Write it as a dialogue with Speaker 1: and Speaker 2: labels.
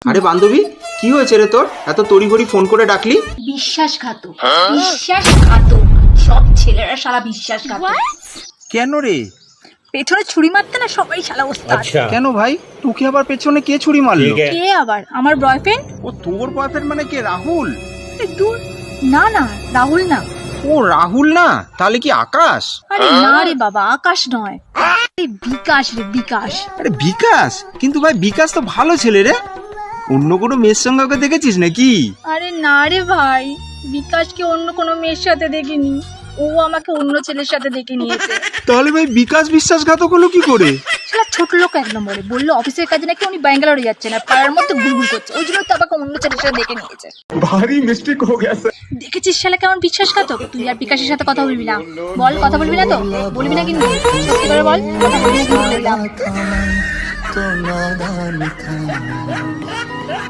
Speaker 1: আরে বান্ধবী, কি হয়েছে রে তোর? এত তড়িঘড়ি ফোন করে ডাকলি?
Speaker 2: বিশ্বাসঘাতক, বিশ্বাসঘাতক। সব ছেলেরা শালা বিশ্বাসঘাতক।
Speaker 1: কেন রে?
Speaker 2: পেছনে ছুরি মারতে না সবাই শালা ওস্তাদ।
Speaker 1: কেন ভাই, তোকে আবার পেছনে কে ছুরি মারলো?
Speaker 2: কে আবার? আমার বয়ফ্রেন্ড।
Speaker 1: ও তোর বয়ফ্রেন্ড মানে কে? রাহুল?
Speaker 2: দূর, না না, রাহুল না।
Speaker 1: ও রাহুল না, তাহলে কি আকাশ?
Speaker 2: আরে না রে বাবা, আকাশ নয়, বিকাশ রে, বিকাশ।
Speaker 1: আরে বিকাশ? কিন্তু ভাই বিকাশ তো ভালো ছেলে রে। অন্য কোনো মেয়ের সঙ্গে ওকে দেখেছিস নাকি?
Speaker 2: আরে না রে ভাই, বিকাশকে অন্য কোনো মেয়ের সাথে দেখিনি, ও আমাকে অন্য ছেলের সাথে দেখে নিয়েছে।
Speaker 1: তাহলে ভাই বিকাশ বিশ্বাসঘাতক হলো কি করে?
Speaker 2: শালা ছোট লোক এক নম্বরে বললো অফিসের কাজে নাকি উনি ব্যাঙ্গালোরে যাচ্ছেন আর পাড়ার মধ্যে ঘুরঘুর করছে, ওই জন্য তো আমাকে অন্য ছেলের সাথে দেখে নিয়েছে।
Speaker 1: ভারী মিস্টেক হয়ে গেছে।
Speaker 2: দেখেছিস শালা কেমন বিশ্বাসঘাতক? তুই আর বিকাশের সাথে কথা বলবি না, বল কথা বলবি না তো? বলবি না কিন্তু, সত্যি করে বল কথা বলবি না কিন্তু বললাম।